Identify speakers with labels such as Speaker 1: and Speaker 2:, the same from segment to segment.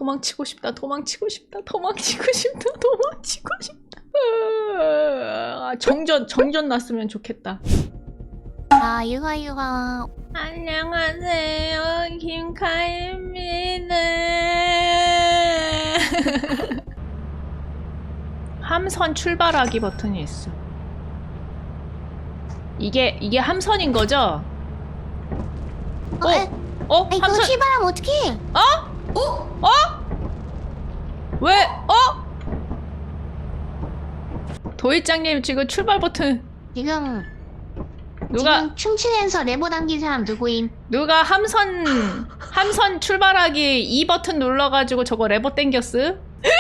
Speaker 1: 도망치고 싶다. 도망치고 싶다. 도망치고 싶다. 도망치고 싶다. 정전 났으면 좋겠다.
Speaker 2: 아, 유하.
Speaker 1: 안녕하세요, 김카입니다. 함선 출발하기 버튼이 있어. 이게 함선인 거죠?
Speaker 2: 이거
Speaker 1: 함선.
Speaker 2: 출발하면 어떡해?
Speaker 1: 왜? 도일장님 지금 출발 버튼
Speaker 2: 지금 춤추면서 레버 당긴 사람 누구임?
Speaker 1: 누가 함선 출발하기 2 버튼 눌러가지고 저거 레버 땡겼음?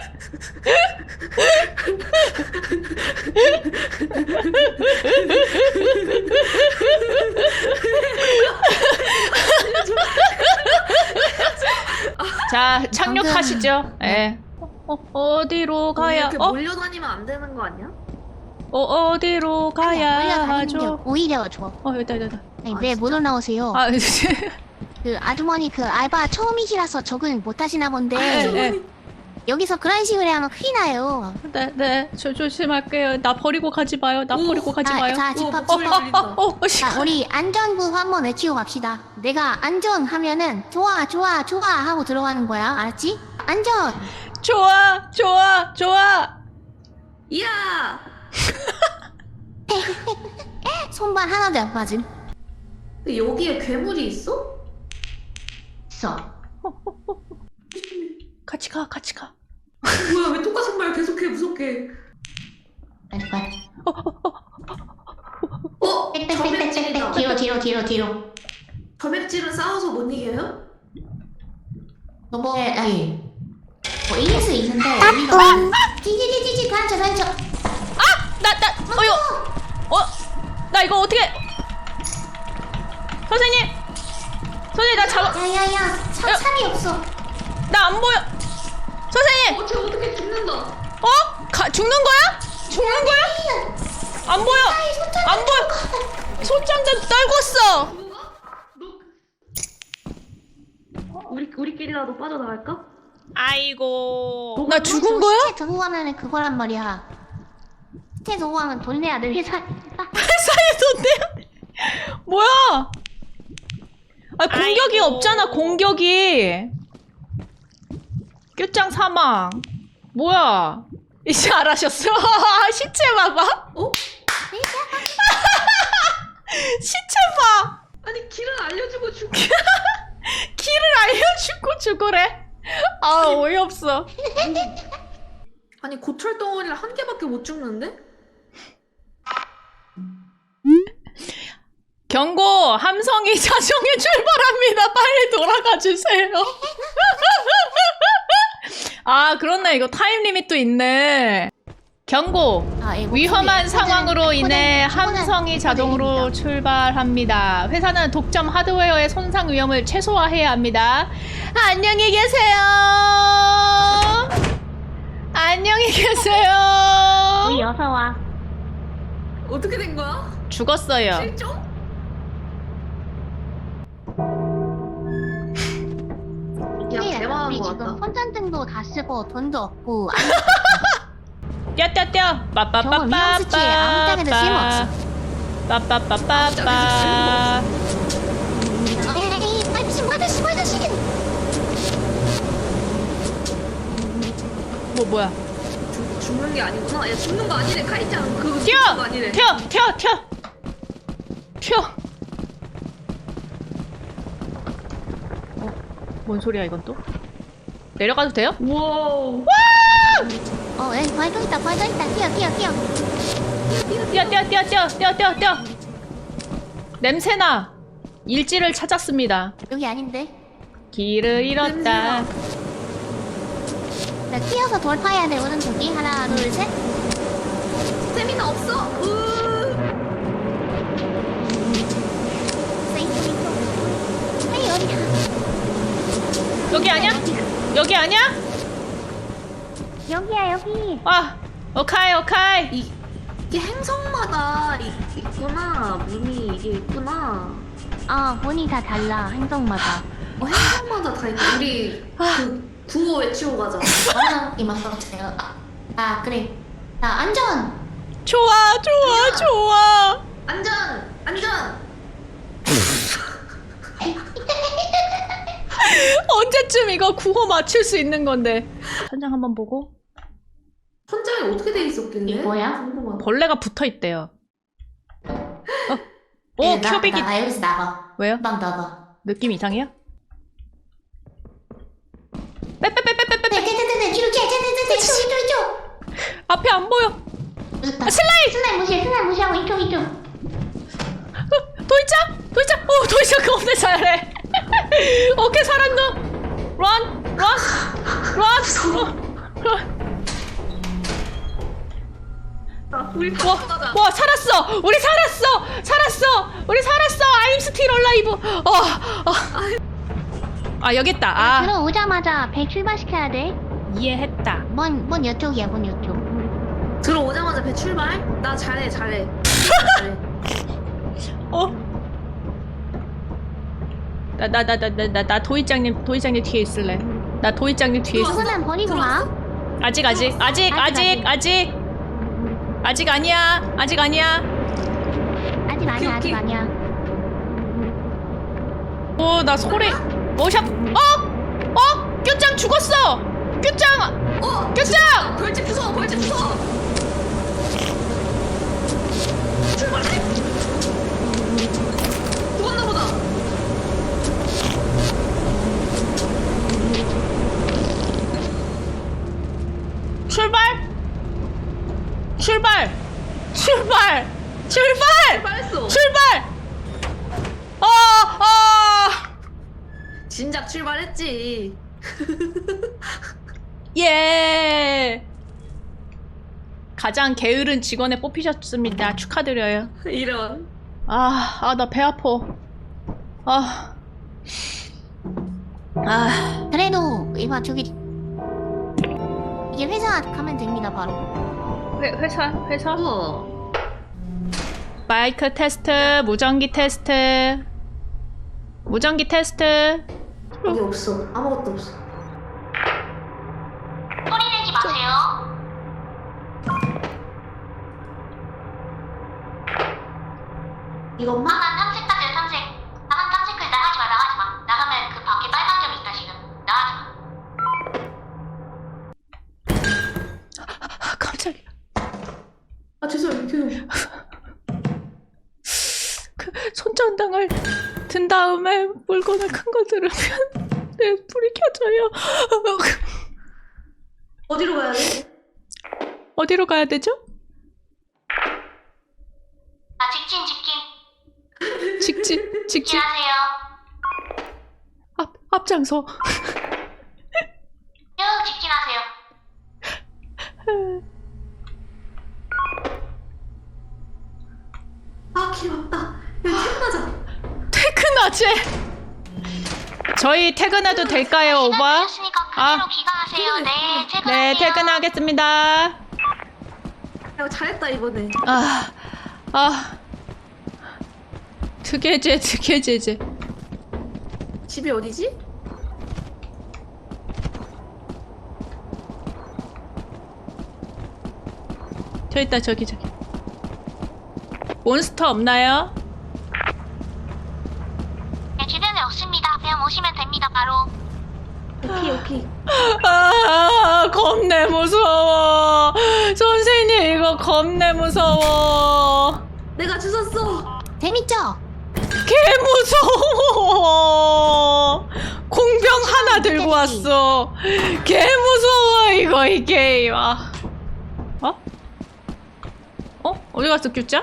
Speaker 1: 자, 착륙하시죠. 예. 어디로 가야?
Speaker 3: 이렇게 몰려다니면 안 되는 거 아니야?
Speaker 1: 어디로 가야 하죠?
Speaker 2: 오히려 좋아.
Speaker 1: 여기다.
Speaker 2: 아니, 왜 못 올라오세요? 그 아주머니 그 알바 처음이시라서 적응 못 하시나 본데
Speaker 1: 네.
Speaker 2: 여기서 그런 식으로 하면 큰일 나요.
Speaker 1: 네. 저 조심할게요. 나 버리고 가지 마요. 버리고 가지 마요.
Speaker 2: 자, 집합.
Speaker 1: 씨.
Speaker 2: 우리 안전부 한번 외치고 갑시다. 내가 안전 하면은 좋아 하고 들어가는 거야. 알았지? 안전.
Speaker 1: 좋아.
Speaker 3: 이야!
Speaker 2: 손발 하나도 안 빠짐.
Speaker 3: 여기에 괴물이 있어?
Speaker 2: 있어.
Speaker 1: 같이 가.
Speaker 3: 뭐야, 왜 똑같은 말 계속해, 무섭게.
Speaker 2: 빨리.
Speaker 3: 점액질이다.
Speaker 2: 뒤로.
Speaker 3: 점액질은 싸워서 못 이겨요?
Speaker 2: 아니. ES 있는데 우리가 찌찌찌찌 단쳐.
Speaker 1: 나 이거 어떻게? 선생님 나 잡아.
Speaker 2: 야야야, 참이 없어.
Speaker 1: 나 안 보여. 선생님.
Speaker 3: 쟤 어떻게 죽는다.
Speaker 1: 죽는 거야? 안 보여. 손장전 떨궜어.
Speaker 3: 우리끼리라도 빠져나갈까?
Speaker 1: 아이고. 나 죽은 거야?
Speaker 2: 시체 두고 가면은 그거란 말이야. 시체 두고 가면 돈 내야 돼. 회사에
Speaker 1: 돈 내야 돼. 뭐야? 공격이 없잖아. 공격이. 끝장 사망. 뭐야? 이제 알아셨어? 시체 봐봐. 시체 봐.
Speaker 3: 아니, 길을 알려주고 죽.
Speaker 1: 길을 알려주고 죽으래. 어이없어.
Speaker 3: 아니, 고철 덩어리를 한 개밖에 못 죽는데?
Speaker 1: 경고! 함성이 자정에 출발합니다. 빨리 돌아가 주세요. 그렇네. 이거 타임 리밋도 있네. 경고! 위험한 상황으로 인해 함성이 자동으로 출발합니다. 회사는 독점 하드웨어의 손상 위험을 최소화해야 합니다. 안녕히 계세요. 안녕히 계세요.
Speaker 2: 우리 어서 와.
Speaker 3: 어떻게 된 거야?
Speaker 1: 죽었어요.
Speaker 3: 실종? 야, 대박한
Speaker 2: 우리
Speaker 3: 거
Speaker 2: 지금
Speaker 3: 같다.
Speaker 2: 손전등도 다 쓰고 돈도 없고
Speaker 1: 뛰어.
Speaker 2: 저거 위험 수치에 아무 땅에도 쓸모없어.
Speaker 1: 빠빠빠빠빠.
Speaker 2: 에이, 아저씨.
Speaker 1: 뭐야?
Speaker 3: 죽는 게 아니구나. 야, 죽는 거 아니래. 카이짱. 그거
Speaker 1: 뛰어!
Speaker 3: 죽는 거 아니래.
Speaker 1: 튀어! 뭔 소리야 이건 또? 내려가도 돼요?
Speaker 3: 우와.
Speaker 2: 에이, 발도 있다. 뛰어.
Speaker 1: 뛰어! 냄새나! 일지를 찾았습니다.
Speaker 2: 여기 아닌데.
Speaker 1: 길을 잃었다.
Speaker 2: 나 뛰어서 돌파해야 돼. 오른쪽이 하나, 둘, 셋.
Speaker 3: 스태미나 없어.
Speaker 2: 에이, 어디야?
Speaker 1: 여기 아니야?
Speaker 2: 여기야, 여기.
Speaker 1: 오카이.
Speaker 3: 이게 행성마다 있구나. 문이 이게 있구나.
Speaker 2: 문이 다 달라. 행성마다.
Speaker 3: 행성마다 다 있네. 우리 그 구호 외치고 가자.
Speaker 2: 아, 이만큼어요. 아, 그래. 자, 안전.
Speaker 1: 좋아 좋아 좋아.
Speaker 3: 안전! 안전!
Speaker 1: 언제쯤 이거 구호 맞출 수 있는 건데. 천장 한번 보고.
Speaker 3: 천장이 어떻게 돼 있었길래?
Speaker 2: 이게 뭐야?
Speaker 3: 궁금하다.
Speaker 1: 벌레가 붙어 있대요. 오
Speaker 2: 예,
Speaker 1: 큐빅이
Speaker 2: 나 여기서 나가.
Speaker 1: 왜요?
Speaker 2: 금방 나가.
Speaker 1: 느낌 이상해요? 빼빼빼빼빼빼
Speaker 2: 네, 뒤로 이쪽.
Speaker 1: 앞에 안 보여.
Speaker 2: 무섭다.
Speaker 1: 아, 슬라임!
Speaker 2: 슬라임 무시하고 이쪽.
Speaker 1: 도이짱! 도이짱 겁내 잘해. 오케이 살았노. 런.
Speaker 3: 우리 다 가자.
Speaker 1: 와 살았어. 우리 살았어. I'm still alive. 아 여기 있다. 아
Speaker 2: 들어오자마자 배 출발시켜야 돼.
Speaker 1: 이해했다.
Speaker 2: 뭔 이쪽이야, 뭔 이쪽.
Speaker 3: 들어오자마자 배 출발? 나 잘해. 잘해.
Speaker 1: 나 도이짱님 뒤에 있을래. 나 도이짱님 뒤에 있어.
Speaker 2: 그거는 버리고 가.
Speaker 1: 아직 아니야.
Speaker 2: 아직 아니야.
Speaker 1: 오, 나 소리. 워샵. 뀨짱 죽었어. 뀨짱.
Speaker 3: 벌집 부숴! 출발해! 죽었나 보다. 출발했어. 진작 출발했지.
Speaker 1: 예. 가장 게으른 직원에 뽑히셨습니다. 축하드려요.
Speaker 3: 이런.
Speaker 1: 나 배 아파.
Speaker 2: 그래도 이봐 저기 이게 회사 가면 됩니다 바로.
Speaker 1: 회사?
Speaker 3: 우와.
Speaker 1: 마이크 테스트, 무전기 테스트.
Speaker 3: 여기 없어. 아무것도 없어.
Speaker 2: 소리 내지 마세요.
Speaker 3: 이것만?
Speaker 2: 나만 탐색하세요 탐색. 나만 탐색을 나가지 마. 나가면 그 밖에 빨간 점 있다 지금. 나가지 마.
Speaker 1: 깜짝이야.
Speaker 3: 아 죄송해요.
Speaker 1: 그 손전등을 든 다음에 물건을 큰 거 들으면 내 불이 켜져요.
Speaker 3: 어디로 가야 돼?
Speaker 1: 어디로 가야 되죠? 직진.
Speaker 2: 직진하세요.
Speaker 1: 앞장서.
Speaker 2: 쭉 직진하세요.
Speaker 3: 아 길 왔다. 여기 퇴근하자.
Speaker 1: 퇴근하지? 저희 퇴근해도 될까요, 오바?
Speaker 2: 그대로 귀가하세요. 네,
Speaker 1: 네, 퇴근하겠습니다.
Speaker 3: 야 잘했다 이번에.
Speaker 1: 드게제.
Speaker 3: 집이 어디지?
Speaker 1: 저 있다, 저기. 몬스터 없나요?
Speaker 2: 네, 주변에 없습니다. 그냥 오시면 됩니다. 바로.
Speaker 3: 오케이.
Speaker 1: 겁내 무서워. 선생님, 이거 겁내 무서워.
Speaker 3: 내가 주웠어.
Speaker 2: 재밌죠?
Speaker 1: 개 무서워. 공병 하나 들고 왔어. 개 무서워, 이거, 이 게임. 어디 갔어, 큐짜?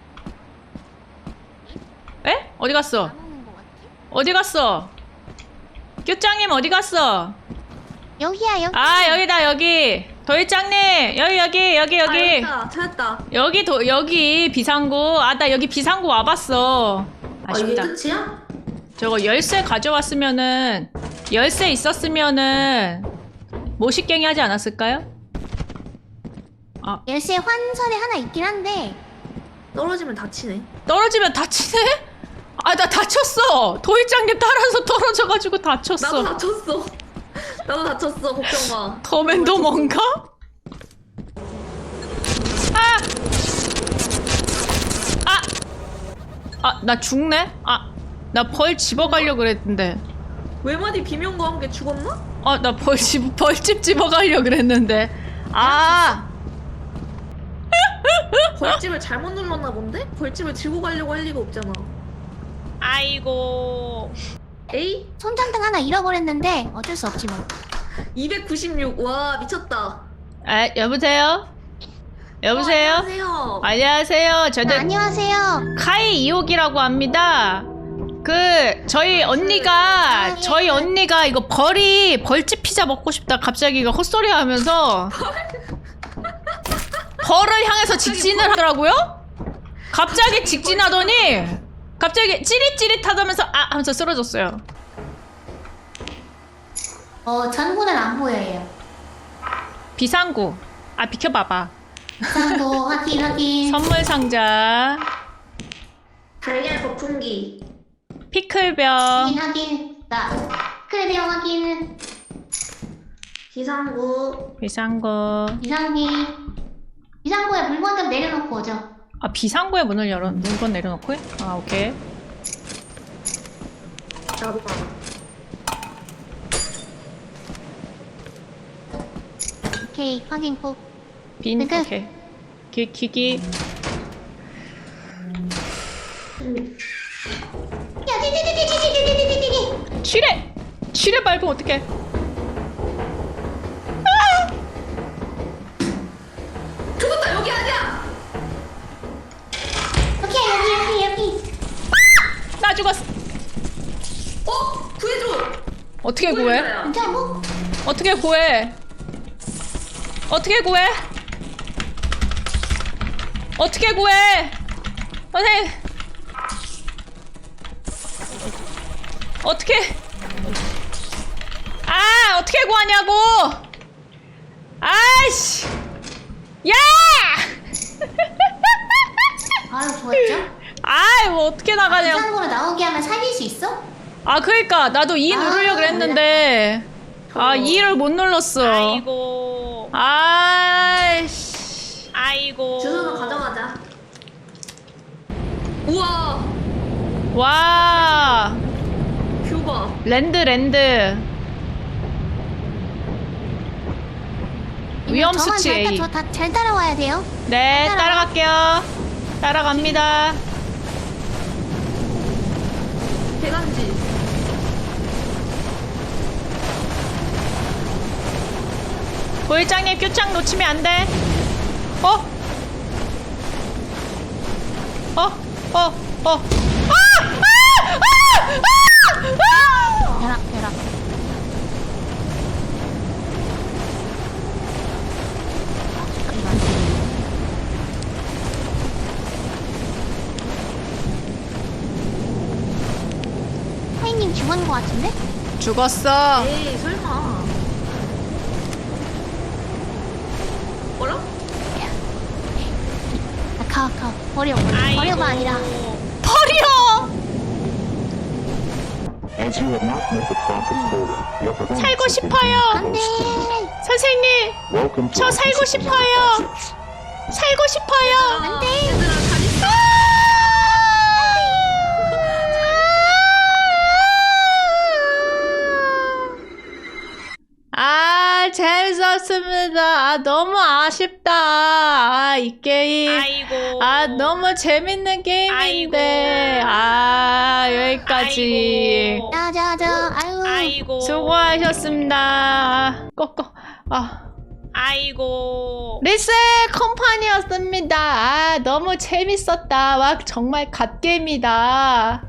Speaker 1: 에? 어디 갔어? 어디 갔어? 큐짱님 어디 갔어?
Speaker 2: 여기야 여기.
Speaker 1: 여기다, 여기. 도일짱님, 여기.
Speaker 3: 아, 찾았다.
Speaker 1: 여기 비상구. 나 여기 비상구 와봤어.
Speaker 3: 이게
Speaker 1: 아쉽다.
Speaker 3: 끝이야?
Speaker 1: 저거 열쇠 가져왔으면은, 열쇠 있었으면은, 모식갱이 하지 않았을까요?
Speaker 2: 열쇠 환설에 하나 있긴 한데.
Speaker 3: 떨어지면 다치네.
Speaker 1: 떨어지면 다치네? 나 다쳤어. 도일장님 따라서 떨어져가지고 다쳤어.
Speaker 3: 나도 다쳤어. 나도 다쳤어, 걱정 마.
Speaker 1: 더맨더 뭔가? 나 죽네? 나 벌 집어가려고 그랬는데.
Speaker 3: 외마디 비명과 함께 죽었나?
Speaker 1: 나 벌집 집어가려고 그랬는데.
Speaker 3: 벌집을 잘못 눌렀나 본데? 벌집을 들고 가려고 할 리가 없잖아.
Speaker 1: 아이고.
Speaker 3: 에이?
Speaker 2: 손전등 하나 잃어버렸는데 어쩔 수 없지 뭐.
Speaker 3: 296. 와, 미쳤다.
Speaker 1: 여보세요? 여보세요?
Speaker 3: 안녕하세요.
Speaker 1: 안녕하세요. 저는
Speaker 2: 안녕하세요.
Speaker 1: 카이 이옥이라고 합니다. 저희 언니가 이거 벌집 피자 먹고 싶다 갑자기 이거 헛소리 하면서 벌을 향해서 직진을 하더라고요? 갑자기 직진하더니 갑자기 찌릿찌릿하다면서 하면서 쓰러졌어요.
Speaker 2: 전구는 안 보여요.
Speaker 1: 비상구. 비켜봐봐.
Speaker 2: 상도 확인.
Speaker 1: 선물 상자.
Speaker 3: 달걀 거품기.
Speaker 1: 피클병.
Speaker 2: 확인. 크레비형 확인.
Speaker 3: 비상구.
Speaker 1: 비상구.
Speaker 2: 비상구에 물건 좀 내려놓고 오죠.
Speaker 1: 비상구에 물건 내려놓고 해? 오케이.
Speaker 3: 나도 봐.
Speaker 2: 오케이, 확인 꼭.
Speaker 1: 빈,
Speaker 2: 끝.
Speaker 1: 오케이. 기기.
Speaker 2: 야, 디디디디디디디디디디.
Speaker 1: 쥐레 밟으면 어떡해.
Speaker 3: 죽었다, 여기 아니야!
Speaker 2: 오케이, 여기.
Speaker 1: 나 죽었어.
Speaker 3: 구해줘!
Speaker 1: 어떻게 구해?
Speaker 2: 괜찮아, 뭐?
Speaker 1: 어떻게 구해? 어떻게 구해? 어떻게 구해? 선생님. 어떻게? 어떻게 구하냐고! 아이씨! 야!
Speaker 2: 좋았죠?
Speaker 1: 뭐 어떻게 나가냐?
Speaker 2: 비상구로 나오게 하면 살릴 수 있어?
Speaker 1: 그러니까 나도 2 누르려고 그랬는데 2를 못 눌렀어.
Speaker 4: 아이고.
Speaker 1: 아이씨.
Speaker 4: 아이고.
Speaker 3: 주소는 가져가자. 우와!
Speaker 1: 와.
Speaker 3: 뷰 봐.
Speaker 1: 랜드. 위험 수치 A.
Speaker 2: 잘 따라와야 돼요.
Speaker 1: 네, 따라갈게요. 따라갑니다.
Speaker 3: 대간지.
Speaker 1: 보일장님 큐창 놓치면 안 돼.
Speaker 2: 벼락. 하이님 죽은 거 같은데?
Speaker 1: 죽었어.
Speaker 3: 에이, 설마. 뭐라?
Speaker 2: 가. 버려가 아니라.
Speaker 1: 버려.
Speaker 5: As you have not met the profit quota, your performance
Speaker 1: 살고
Speaker 5: has been
Speaker 1: 싶어요.
Speaker 2: 안 돼.
Speaker 1: 선생님,
Speaker 5: Welcome to
Speaker 1: 저
Speaker 5: our
Speaker 1: 살고
Speaker 5: disciplinary
Speaker 1: 싶어요.
Speaker 5: process.
Speaker 1: 살고 싶어요.
Speaker 3: 안 돼. 얘들아, 잘 있어.
Speaker 1: 재밌었습니다. 너무 아쉽다. 이 게임.
Speaker 4: 아이고.
Speaker 1: 너무 재밌는 게임인데. 여기까지.
Speaker 4: 아이고.
Speaker 2: 자자자. 아유.
Speaker 4: 아이고.
Speaker 1: 수고하셨습니다. 꺼.
Speaker 4: 아이고.
Speaker 1: 리셀 컴퍼니였습니다. 너무 재밌었다. 정말 갓게임이다.